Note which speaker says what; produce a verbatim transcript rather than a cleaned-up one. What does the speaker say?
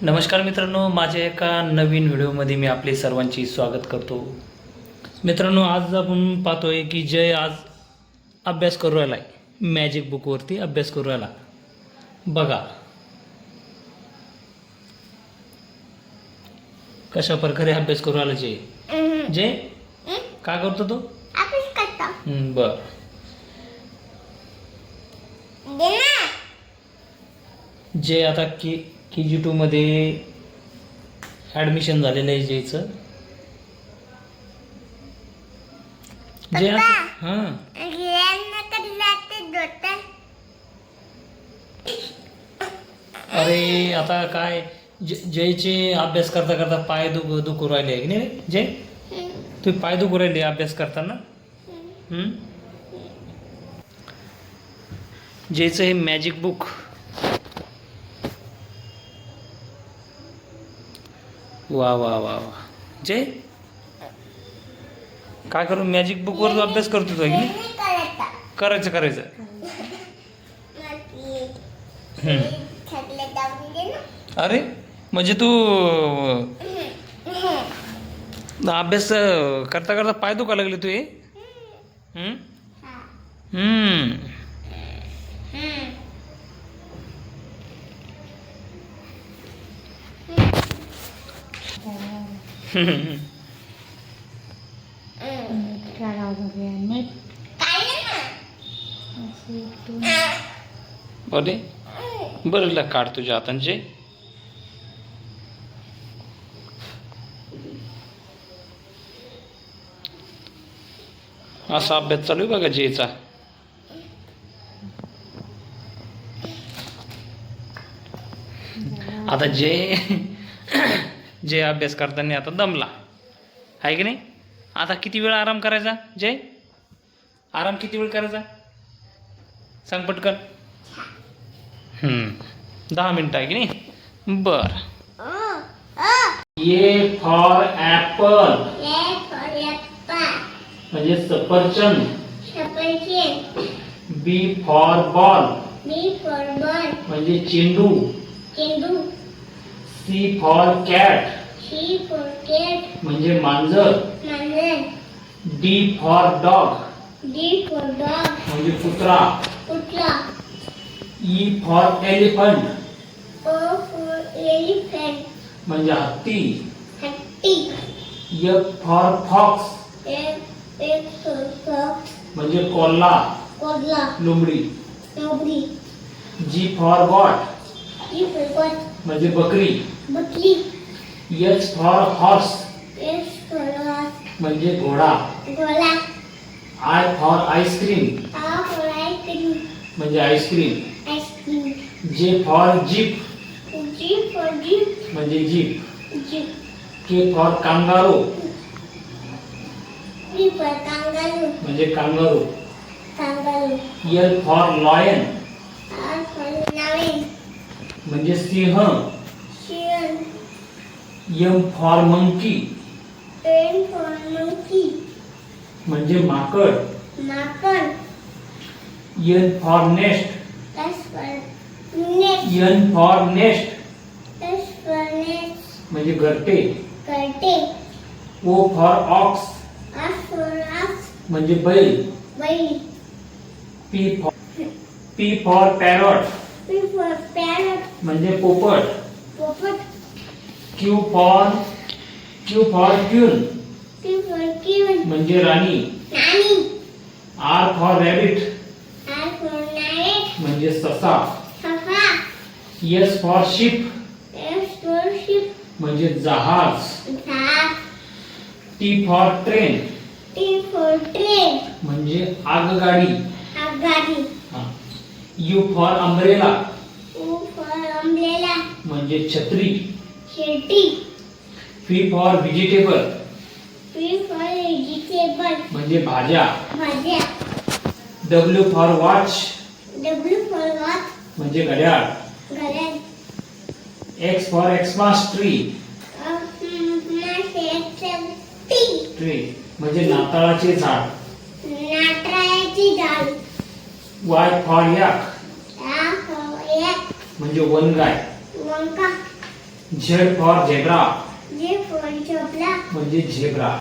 Speaker 1: नमस्कार मित्रांनो, माझ्या एका नवीन व्हिडिओमध्ये मी आपले सर्वांची स्वागत करतो. मित्रांनो, आज आपण पाहतोय की जय आज अभ्यास करू राहिला आहे. मॅजिक बुकवरती अभ्यास करू राहिला. बघा कशा प्रकारे अभ्यास करू राहिला जय. जय काय करतो तो?
Speaker 2: अभ्यास करतो.
Speaker 1: बर जय आता की के जी टूमध्ये ॲडमिशन झालेलं आहे जयचं. जय हां अरे आता काय ज जयचे अभ्यास करता करता पाय दुख दुखू राहिले आहे की नाही जय? तू पाय दुखू राहिले अभ्यास करताना. जयचं हे मॅजिक बुक वा वा वा वा जय काय करू मॅजिक बुकवर अभ्यास करतो तो की करायचं करायचं अरे म्हणजे तू अभ्यास करता करता पाय दुखा लागले तू हे. हम्म अरे बरं काढ तुझ्या हातांचे. असा अभ्यास चालू आहे बघा जयचा. आता जय जय अभ्यास करताना आता दमला आहे की नाही. आता किती वेळ आराम करायचा जय? आराम किती वेळ करायचा सांग पटकन. हम्म दहा मिनिटं आहे की नाही. बर ए फॉर ॲपल म्हणजे सफरचंद. बी फॉर बॉल म्हणजे चेंडू. सी फॉर कॅट म्हणजे मांजर. डी फॉर डॉग म्हणजे कुत्रा. ई फॉर एलिफंट म्हणजे हत्ती. एफ फॉर फॉक्स म्हणजे कोल्हा लोमडी. जी फॉर गॉट म्हणजे बकरी. एच फॉर हॉर्स म्हणजे घोडा. आय फॉर आईस्क्रीम म्हणजे आईस्क्रीम. जे फॉर जीप म्हणजे जीप. के फॉर कांगारू म्हणजे कांगारू. एल फॉर लॉयन म्हणजे सिंह. एम फॉर मंकी म्हणजे माकड. N for nest N for nest म्हणजे घरटे. ओ फॉर ऑक्स म्हणजे बैल. P for P for parrot म्हणजे पोपट. Q for Q for queen म्हणजे राणी. आर फॉर रॅबिट म्हणजे ससा. एस फॉर शिप म्हणजे जहाज. टी फॉर ट्रेन म्हणजे आगगाडी. यू फॉर अम्ब्रेला म्हणजे छत्री. फी फॉर व्हेजिटेबल म्हणजे भाज्या. डब्ल्यू फॉर वॉच म्हणजे घड्याळ. X for Xmas tree tree म्हणजे नाताळाचे झाड. वाय फॉर याक म्हणजे वनगाय. Z for zebra
Speaker 2: J for झोपला
Speaker 1: म्हणजे झेब्रा.